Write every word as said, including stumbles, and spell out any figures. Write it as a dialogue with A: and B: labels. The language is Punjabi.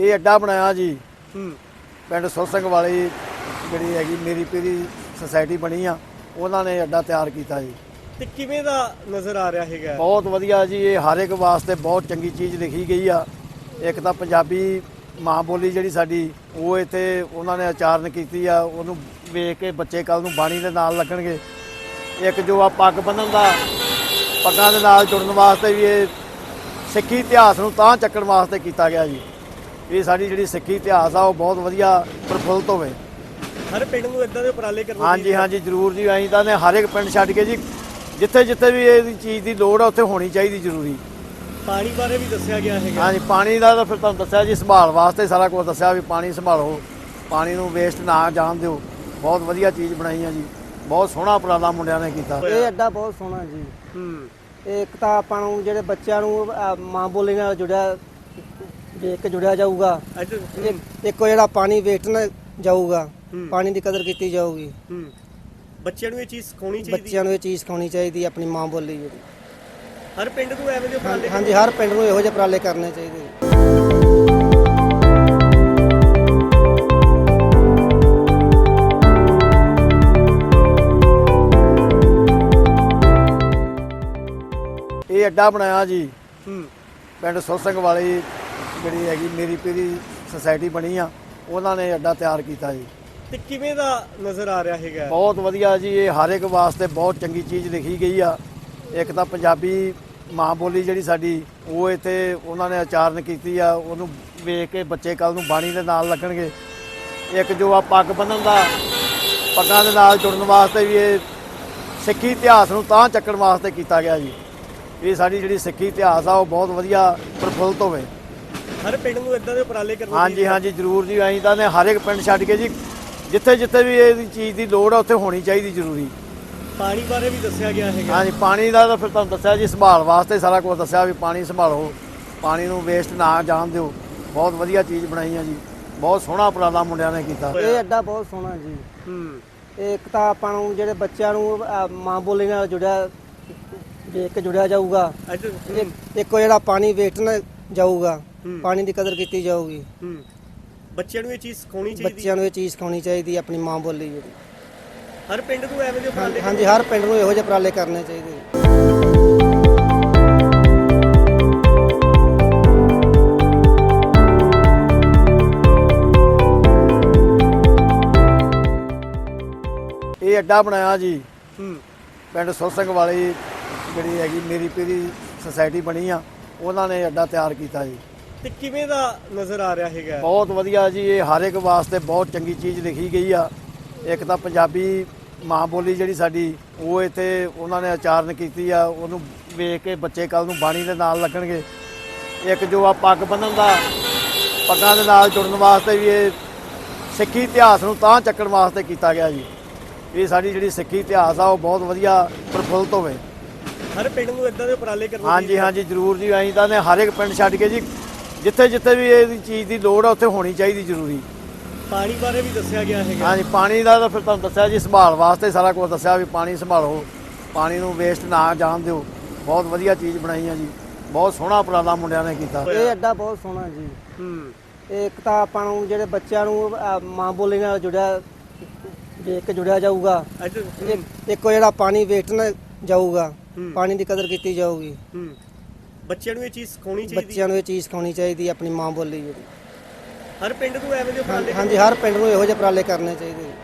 A: ਇਹ ਅੱਡਾ ਬਣਾਇਆ ਜੀ
B: ਹੂੰ
A: ਪਿੰਡ ਸੁਰ ਸਿੰਘ ਵਾਲੀ ਜਿਹੜੀ ਹੈਗੀ ਮੇਰੀ ਪੀਰੀ ਸੁਸਾਇਟੀ ਬਣੀ ਆ, ਉਹਨਾਂ ਨੇ ਅੱਡਾ ਤਿਆਰ ਕੀਤਾ ਜੀ।
B: ਤੇ ਕਿਵੇਂ ਦਾ ਨਜ਼ਰ ਆ ਰਿਹਾ ਹੈਗਾ?
A: ਬਹੁਤ ਵਧੀਆ ਜੀ, ਇਹ ਹਰ ਇੱਕ ਵਾਸਤੇ ਬਹੁਤ ਚੰਗੀ ਚੀਜ਼ ਲਿਖੀ ਗਈ ਆ। ਇੱਕ ਤਾਂ ਪੰਜਾਬੀ ਮਾਂ ਬੋਲੀ ਜਿਹੜੀ ਸਾਡੀ ਉਹ ਇੱਥੇ ਉਹਨਾਂ ਨੇ ਉਚਾਰਨ ਕੀਤੀ ਆ, ਉਹਨੂੰ ਵੇਖ ਕੇ ਬੱਚੇ ਕੱਲ ਨੂੰ ਬਾਣੀ ਦੇ ਨਾਲ ਲੱਗਣਗੇ। ਇੱਕ ਜੋ ਆ ਪੱਗ ਬੰਨ੍ਹਣ ਦਾ, ਪੱਗਾਂ ਦੇ ਨਾਲ ਜੁੜਨ ਵਾਸਤੇ ਵੀ ਇਹ ਸਿੱਖੀ ਇਤਿਹਾਸ ਨੂੰ ਤਾਂ ਚੱਕਣ ਵਾਸਤੇ ਕੀਤਾ ਗਿਆ ਜੀ। ਇਹ ਸਾਡੀ ਜਿਹੜੀ ਸਿੱਖੀ ਇਤਿਹਾਸ ਆ ਉਹ ਬਹੁਤ ਵਧੀਆ ਪ੍ਰਫੁੱਲਤ ਹੋਵੇ।
B: ਹਰ ਪਿੰਡ ਨੂੰ ਇਦਾਂ ਦੇ ਉਪਰਾਲੇ ਕਰਨੇ
A: ਹਾਂਜੀ ਹਾਂਜੀ ਜ਼ਰੂਰ ਜੀ। ਅਸੀਂ ਤਾਂ ਨੇ ਹਰ ਇੱਕ ਪਿੰਡ ਛੱਡ ਕੇ ਜੀ ਜਿੱਥੇ ਜਿੱਥੇ ਵੀ ਇਹ ਚੀਜ਼ ਦੀ ਲੋੜ ਆ ਉੱਥੇ ਹੋਣੀ ਚਾਹੀਦੀ ਜ਼ਰੂਰੀ।
B: ਪਾਣੀ ਬਾਰੇ ਵੀ ਦੱਸਿਆ ਗਿਆ ਹੈਗਾ।
A: ਹਾਂਜੀ ਪਾਣੀ ਦਾ ਤਾਂ ਫਿਰ ਤੁਹਾਨੂੰ ਦੱਸਿਆ ਜੀ, ਸੰਭਾਲ ਵਾਸਤੇ ਸਾਰਾ ਕੁਝ ਦੱਸਿਆ ਵੀ ਪਾਣੀ ਸੰਭਾਲੋ, ਪਾਣੀ ਨੂੰ ਵੇਸਟ ਨਾ ਜਾਣ ਦਿਓ। ਬਹੁਤ ਵਧੀਆ ਚੀਜ਼ ਬਣਾਈ ਆ ਜੀ, ਬਹੁਤ ਸੋਹਣਾ ਉਪਰਾਲਾ ਮੁੰਡਿਆਂ ਨੇ ਕੀਤਾ।
C: ਇਹ ਅੱਡਾ ਬਹੁਤ ਸੋਹਣਾ ਜੀ।
B: ਹੂੰ
C: ਇਹ ਇੱਕ ਤਾਂ ਆਪਾਂ ਨੂੰ ਜਿਹੜੇ ਬੱਚਿਆਂ ਨੂੰ ਅਹ, ਮਾਂ ਬੋਲੀ ਨਾਲ ਜੁੜਿਆ ਦੇਖ ਕੇ ਜੁੜਿਆ ਜਾਊਗਾ।
B: ਅੱਜ
C: ਇੱਕ ਇੱਕ ਜਿਹੜਾ ਪਾਣੀ ਵੇਸਟ ਨਾ ਜਾਊਗਾ,
B: ਹੂੰ।
C: ਪਾਣੀ ਦੀ ਕਦਰ ਕੀਤੀ ਜਾਊਗੀ।
B: ਹੂੰ ਬੱਚਿਆਂ ਨੂੰ ਇਹ ਚੀਜ਼ ਸਿਖਾਉਣੀ ਚਾਹੀਦੀ।
C: ਬੱਚਿਆਂ ਨੂੰ ਇਹ ਚੀਜ਼ ਸਿਖਾਉਣੀ ਚਾਹੀਦੀ ਆਪਣੀ ਮਾਂ ਬੋਲੀ ਜਿਹੜੀ।
B: ਹਰ ਪਿੰਡ ਨੂੰ ਐਵੇਂ ਦੇ ਉਪਰਾਲੇ
C: ਹਾਂਜੀ ਹਰ ਪਿੰਡ ਨੂੰ ਇਹੋ ਜਿਹੇ ਉਪਰਾਲੇ ਕਰਨੇ ਚਾਹੀਦੇ।
A: ਇਹ ਅੱਡਾ ਬਣਾਇਆ ਜੀ
B: ਹੂੰ
A: ਪਿੰਡ ਸੁਰ ਸਿੰਘ ਵਾਲੀ ਜਿਹੜੀ ਹੈਗੀ ਮੇਰੀ ਪੀਰੀ ਸੁਸਾਇਟੀ ਬਣੀ ਆ, ਉਹਨਾਂ ਨੇ ਅੱਡਾ ਤਿਆਰ ਕੀਤਾ ਜੀ।
B: ਤੇ ਕਿਵੇਂ ਦਾ ਨਜ਼ਰ ਆ ਰਿਹਾ ਹੈਗਾ?
A: ਬਹੁਤ ਵਧੀਆ ਜੀ, ਇਹ ਹਰ ਇੱਕ ਵਾਸਤੇ ਬਹੁਤ ਚੰਗੀ ਚੀਜ਼ ਲਿਖੀ ਗਈ ਆ। ਇੱਕ ਤਾਂ ਪੰਜਾਬੀ ਮਾਂ ਬੋਲੀ ਜਿਹੜੀ ਸਾਡੀ ਉਹ ਇੱਥੇ ਉਹਨਾਂ ਨੇ ਉਚਾਰਨ ਕੀਤੀ ਆ, ਉਹਨੂੰ ਵੇਖ ਕੇ ਬੱਚੇ ਕੱਲ ਨੂੰ ਬਾਣੀ ਦੇ ਨਾਲ ਲੱਗਣਗੇ। ਇੱਕ ਜੋ ਆ ਪੱਗ ਬੰਨ੍ਹਣ ਦਾ, ਪੱਗਾਂ ਦੇ ਨਾਲ ਜੁੜਨ ਵਾਸਤੇ ਵੀ ਇਹ ਸਿੱਖੀ ਇਤਿਹਾਸ ਨੂੰ ਤਾਂ ਚੱਕਣ ਵਾਸਤੇ ਕੀਤਾ ਗਿਆ ਜੀ। ਇਹ ਸਾਡੀ ਜਿਹੜੀ ਸਿੱਖੀ ਇਤਿਹਾਸ ਆ ਉਹ ਬਹੁਤ ਵਧੀਆ ਪ੍ਰਫੁੱਲਤ ਹੋਵੇ।
B: ਹਰ ਪਿੰਡ ਨੂੰ ਇਦਾਂ ਦੇ ਉਪਰਾਲੇ ਕਰਨੇ
A: ਹਾਂਜੀ ਹਾਂਜੀ ਜ਼ਰੂਰ ਜੀ। ਅਸੀਂ ਤਾਂ ਨੇ ਹਰ ਇੱਕ ਪਿੰਡ ਛੱਡ ਕੇ ਜੀ ਜਿੱਥੇ ਜਿੱਥੇ ਵੀ ਇਹ ਚੀਜ਼ ਦੀ ਲੋੜ ਆ ਉੱਥੇ ਹੋਣੀ ਚਾਹੀਦੀ ਜ਼ਰੂਰੀ।
B: ਪਾਣੀ ਬਾਰੇ ਵੀ ਦੱਸਿਆ ਗਿਆ ਹੈਗਾ।
A: ਹਾਂਜੀ ਪਾਣੀ ਦਾ ਤਾਂ ਫਿਰ ਤੁਹਾਨੂੰ ਦੱਸਿਆ ਜੀ, ਸੰਭਾਲ ਵਾਸਤੇ ਸਾਰਾ ਕੁਝ ਦੱਸਿਆ ਵੀ ਪਾਣੀ ਸੰਭਾਲੋ, ਪਾਣੀ ਨੂੰ ਵੇਸਟ ਨਾ ਜਾਣ ਦਿਓ। ਬਹੁਤ ਵਧੀਆ ਚੀਜ਼ ਬਣਾਈ ਆ ਜੀ, ਬਹੁਤ ਸੋਹਣਾ ਉਪਰਾਲਾ ਮੁੰਡਿਆਂ ਨੇ ਕੀਤਾ।
C: ਇਹ ਅੱਡਾ ਬਹੁਤ ਸੋਹਣਾ ਜੀ।
B: ਹੂੰ
C: ਇਹ ਇੱਕ ਤਾਂ ਆਪਾਂ ਨੂੰ ਜਿਹੜੇ ਬੱਚਿਆਂ ਨੂੰ ਅਹ, ਮਾਂ ਬੋਲੀ ਨਾਲ ਜੁੜਿਆ ਦੇਖ ਕੇ ਜੁੜਿਆ ਜਾਊਗਾ।
B: ਅੱਜ
C: ਇੱਕ ਇੱਕ ਜਿਹੜਾ ਪਾਣੀ ਵੇਸਟ ਨਾ ਜਾਊਗਾ,
B: ਹੂੰ।
C: ਪਾਣੀ ਦੀ ਕਦਰ ਕੀਤੀ ਜਾਊਗੀ।
B: ਹੂੰ ਬੱਚਿਆਂ ਨੂੰ ਇਹ ਚੀਜ਼ ਸਿਖਾਉਣੀ ਚਾਹੀਦੀ।
C: ਬੱਚਿਆਂ ਨੂੰ ਇਹ ਚੀਜ਼ ਸਿਖਾਉਣੀ ਚਾਹੀਦੀ ਆਪਣੀ ਮਾਂ ਬੋਲੀ ਜਿਹੜੀ।
B: ਹਰ ਪਿੰਡ ਨੂੰ ਐਵੇਂ ਦੇ ਉਪਰਾਲੇ
C: ਹਾਂਜੀ ਹਰ ਪਿੰਡ ਨੂੰ ਇਹੋ ਜਿਹੇ ਉਪਰਾਲੇ ਕਰਨੇ ਚਾਹੀਦੇ।
A: ਇਹ ਅੱਡਾ ਬਣਾਇਆ ਜੀ
B: ਹੂੰ
A: ਪਿੰਡ ਸੁਰ ਸਿੰਘ ਵਾਲੀ ਜਿਹੜੀ ਹੈਗੀ ਮੇਰੀ ਪੀਰੀ ਸੁਸਾਇਟੀ ਬਣੀ ਆ, ਉਹਨਾਂ ਨੇ ਅੱਡਾ ਤਿਆਰ ਕੀਤਾ ਜੀ।
B: ਤੇ ਕਿਵੇਂ ਦਾ ਨਜ਼ਰ ਆ ਰਿਹਾ ਹੈਗਾ?
A: ਬਹੁਤ ਵਧੀਆ ਜੀ, ਇਹ ਹਰ ਇੱਕ ਵਾਸਤੇ ਬਹੁਤ ਚੰਗੀ ਚੀਜ਼ ਲਿਖੀ ਗਈ ਆ। ਇੱਕ ਤਾਂ ਪੰਜਾਬੀ ਮਾਂ ਬੋਲੀ ਜਿਹੜੀ ਸਾਡੀ ਉਹ ਇੱਥੇ ਉਹਨਾਂ ਨੇ ਉਚਾਰਨ ਕੀਤੀ ਆ, ਉਹਨੂੰ ਵੇਖ ਕੇ ਬੱਚੇ ਕੱਲ ਨੂੰ ਬਾਣੀ ਦੇ ਨਾਲ ਲੱਗਣਗੇ। ਇੱਕ ਜੋ ਆ ਪੱਗ ਬੰਨ੍ਹਣ ਦਾ, ਪੱਗਾਂ ਦੇ ਨਾਲ ਜੁੜਨ ਵਾਸਤੇ ਵੀ ਇਹ ਸਿੱਖੀ ਇਤਿਹਾਸ ਨੂੰ ਤਾਂ ਚੱਕਣ ਵਾਸਤੇ ਕੀਤਾ ਗਿਆ ਜੀ। ਇਹ ਸਾਡੀ ਜਿਹੜੀ ਸਿੱਖੀ ਇਤਿਹਾਸ ਆ ਉਹ ਬਹੁਤ ਵਧੀਆ ਪ੍ਰਫੁੱਲਤ ਹੋਵੇ।
B: ਹਰ ਪਿੰਡ ਨੂੰ ਇਦਾਂ ਦੇ ਉਪਰਾਲੇ ਕਰਨੇ
A: ਹਾਂਜੀ ਹਾਂਜੀ ਜ਼ਰੂਰ ਜੀ। ਅਸੀਂ ਤਾਂ ਨੇ ਹਰ ਇੱਕ ਪਿੰਡ ਛੱਡ ਕੇ ਜੀ ਜਿੱਥੇ ਜਿੱਥੇ ਵੀ ਇਹ ਚੀਜ਼ ਦੀ ਲੋੜ ਆ ਉੱਥੇ ਹੋਣੀ ਚਾਹੀਦੀ ਜ਼ਰੂਰੀ।
B: ਪਾਣੀ ਬਾਰੇ ਵੀ ਦੱਸਿਆ ਗਿਆ ਹੈਗਾ।
A: ਹਾਂਜੀ ਪਾਣੀ ਦਾ ਤਾਂ ਫਿਰ ਤੁਹਾਨੂੰ ਦੱਸਿਆ ਜੀ, ਸੰਭਾਲ ਵਾਸਤੇ ਸਾਰਾ ਕੁਝ ਦੱਸਿਆ ਵੀ ਪਾਣੀ ਸੰਭਾਲੋ, ਪਾਣੀ ਨੂੰ ਵੇਸਟ ਨਾ ਜਾਣ ਦਿਓ। ਬਹੁਤ ਵਧੀਆ ਚੀਜ਼ ਬਣਾਈ ਆ ਜੀ, ਬਹੁਤ ਸੋਹਣਾ ਉਪਰਾਲਾ ਮੁੰਡਿਆਂ ਨੇ ਕੀਤਾ।
C: ਇਹ ਅੱਡਾ ਬਹੁਤ ਸੋਹਣਾ ਜੀ।
B: ਹੂੰ
C: ਇਹ ਇੱਕ ਤਾਂ ਆਪਾਂ ਨੂੰ ਜਿਹੜੇ ਬੱਚਿਆਂ ਨੂੰ ਅਹ, ਮਾਂ ਬੋਲੀ ਨਾਲ ਜੁੜਿਆ ਦੇਖ ਕੇ ਜੁੜਿਆ ਜਾਊਗਾ।
B: ਅੱਜ
C: ਇੱਕ ਇੱਕ ਜਿਹੜਾ ਪਾਣੀ ਵੇਸਟ ਨਾ ਜਾਊਗਾ,
B: ਹੂੰ।
C: ਪਾਣੀ ਦੀ ਕਦਰ ਕੀਤੀ ਜਾਊਗੀ।
B: ਹੂੰ ਬੱਚਿਆਂ ਨੂੰ ਇਹ ਚੀਜ਼ ਸਿਖਾਉਣੀ ਚਾਹੀਦੀ।
C: ਬੱਚਿਆਂ ਨੂੰ ਇਹ ਚੀਜ਼ ਸਿਖਾਉਣੀ ਚਾਹੀਦੀ ਆਪਣੀ ਮਾਂ ਬੋਲੀ ਜਿਹੜੀ।
B: ਹਰ ਪਿੰਡ ਨੂੰ ਐਵੇਂ ਦੇ ਉਪਰਾਲੇ
C: ਹਾਂਜੀ ਹਰ ਪਿੰਡ ਨੂੰ ਇਹੋ ਜਿਹੇ ਉਪਰਾਲੇ ਕਰਨੇ ਚਾਹੀਦੇ।